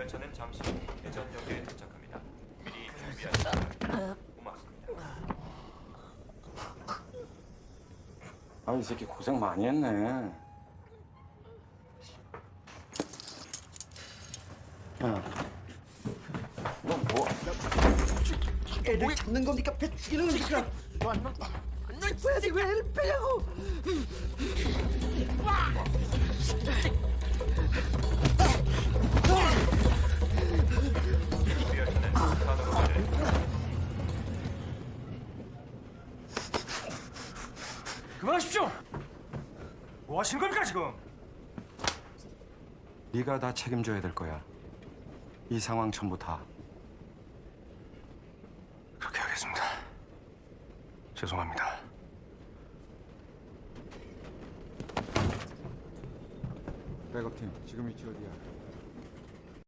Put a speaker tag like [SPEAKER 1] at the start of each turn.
[SPEAKER 1] 열차는 잠시 후 대전역에 도착합니다. 미리 준비하시면 고맙습니다.
[SPEAKER 2] 아, 이 새끼 고생 많이 했네. 야, 너 뭐?
[SPEAKER 3] 애를 잡는 겁니까? 배 죽이는 겁니까? 왜 애를 빼냐고?
[SPEAKER 1] 이 열차는 산으로 가는
[SPEAKER 4] 그만하십시오! 뭐 하시는 겁니까 지금?
[SPEAKER 2] 네가 다 책임져야 될 거야. 이 상황 전부 다.
[SPEAKER 4] 그렇게 하겠습니다. 죄송합니다.
[SPEAKER 2] 백업팀, 지금 위치 어디야?